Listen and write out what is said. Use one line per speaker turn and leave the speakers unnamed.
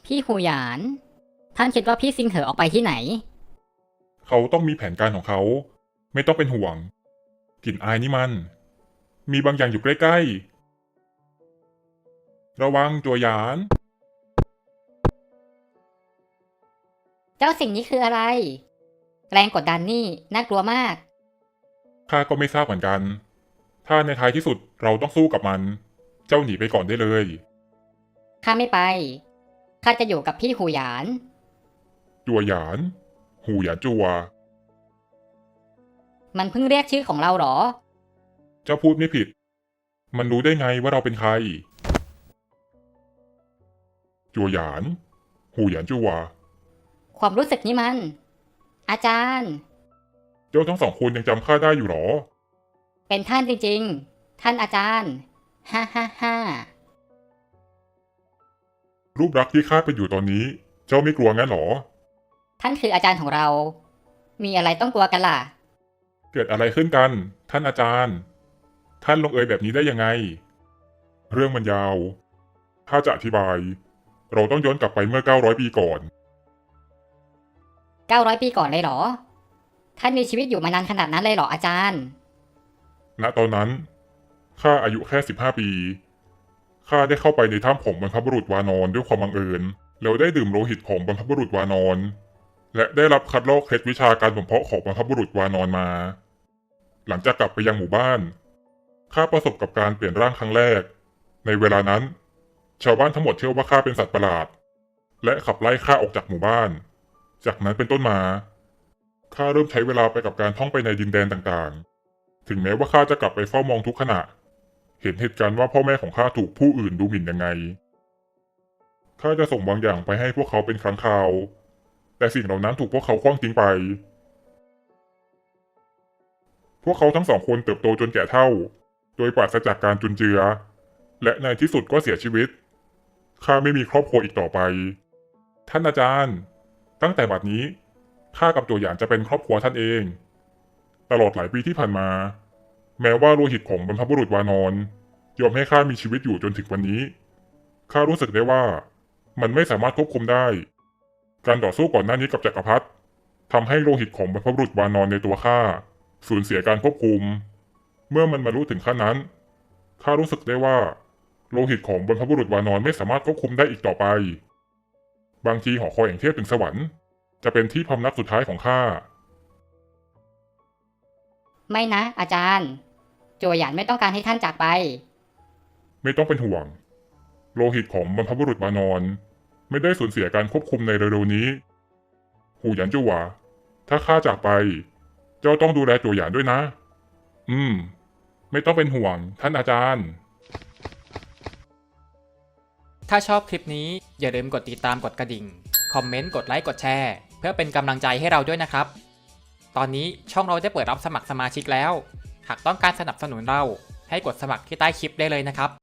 พี่หูหยาน ท่านคิดว่าพี่ซิงเหอออกไปที่ไหน
เขาต้องมีแผนการของเขา ไม่ต้องเป็นห่วง กลิ่นอายนี่มัน มีบางอย่างอยู่ใกล้ๆ ระวังจัวหยาน
เจ้าสิ่งนี้คืออะไร แรงกดดันนี่น่ากลัวมาก
ข้าก็ไม่ทราบเหมือนกัน ถ้าในท้ายที่สุดเราต้องสู้กับมัน เจ้าหนีไปก่อนได้เลย
ข้าไม่ไป ข้าจะอยู่กับพี่หูหยาน
จัวหยาน หูหยานจัว
มันเพิ่งเรียกชื่อของเราหรอ
เจ้าพูดไม่ผิด มันรู้ได้ไงว่าเราเป็นใคร จัวหยาน หูหยานจัว
ความรู้สึกนี้มัน อาจารย์
เจ้าทั้งสองคนยังจำข้าได้อยู่หรอ
เป็นท่านจริงๆ ท่านอาจารย์ ฮ่าฮ่าฮ่า
รูปลักษณ์ที่ข้าเป็นอยู่ตอนนี้ เจ้าไม่กลัวงั้นหรอ
ท่านคืออาจารย์ของเรา มีอะไรต้องกลัวกันล่ะ
เกิดอะไรขึ้นกัน ท่านอาจารย์ ท่านลงเอยแบบนี้ได้ยังไง เรื่องมันยาว ถ้าจะอธิบาย เราต้องย้อนกลับไปเมื่อ 900 ปีก่อน
900 ปีก่อนเลยเหรอ ท่านมีชีวิตอยู่มานานขนาดนั้นเลยเหรออาจารย์
ณ ตอนนั้น ข้าอายุแค่ 15 ปี ข้าได้เข้าไปในถ้ำของบรรพบุรุษวานอนด้วยความบังเอิญ แล้วได้ดื่มโลหิตของบรรพบุรุษวานอน และได้รับคัดลอกเคล็ดวิชาการบ่มเพาะของบรรพบุรุษวานอนมา หลังจากกลับไปยังหมู่บ้าน ข้าประสบกับการเปลี่ยนร่างครั้งแรก ในเวลานั้น ชาวบ้านทั้งหมดเชื่อว่าข้าเป็นสัตว์ประหลาด และขับไล่ข้าออกจากหมู่บ้าน จากนั้นเป็นต้นมา ข้าเริ่มใช้เวลาไปกับการท่องไปในดินแดนต่างๆ ถึงแม้ว่าข้าจะกลับไปเฝ้ามองทุกขณะ เห็นเหตุการณ์ว่าพ่อแม่ของข้าถูกผู้อื่นดูหมิ่นยังไง ข้าจะส่งบางอย่างไปให้พวกเขาเป็นครั้งคราว แต่สิ่งเหล่านั้นถูกพวกเขาขว้างทิ้งไป พวกเขาทั้งสองคนเติบโตจนแก่เฒ่า โดยปราศจากการจุนเจือ และในที่สุดก็เสียชีวิต ข้าไม่มีครอบครัวอีกต่อไป ท่านอาจารย์ ตั้งแต่บัดนี้ ข้ากับโจหยานจะเป็นครอบครัวท่านเอง ตลอดหลายปีที่ผ่านมา แม้ว่าโลหิตของบรรพบุรุษวานอนยอมให้ข้ามีชีวิตอยู่จนถึงวันนี้ ข้ารู้สึกได้ว่ามันไม่สามารถควบคุมได้ การต่อสู้ก่อนหน้านี้กับจักรพรรดิทำให้โลหิตของบรรพบุรุษวานอนในตัวข้าสูญเสียการควบคุม เมื่อมันบรรลุถึงขั้นนั้น ข้ารู้สึกได้ว่าโลหิตของบรรพบุรุษวานอนไม่สามารถควบคุมได้อีกต่อไป บางทีหอคอยแห่งเทพถึงสวรรค์จะเป็นที่พำนักสุดท้ายของข้า
ไม่นะ อาจารย์ โจหยานไม่ต้องการให้ท่านจากไป
ไม่ต้องเป็นห่วง โลหิตของบรรพบุรุษวานอนไม่ได้สูญเสียการควบคุมในเร็วๆนี้ หูหยานจั่วถ้าข้าจากไป เจ้าต้องดูแลจั่วหยานด้วยนะ ไม่ต้องเป็นห่วงท่านอาจารย์
ถ้าชอบคลิปนี้อย่าลืมกดติดตามกดกระดิ่ง คอมเมนต์ กดไลค์ กดแชร์ เพื่อเป็นกำลังใจให้เราด้วยนะครับ ตอนนี้ช่องเราได้เปิดรับสมัครสมาชิกแล้ว หากต้องการสนับสนุนเราให้กดสมัครที่ใต้คลิปได้เลยนะครับ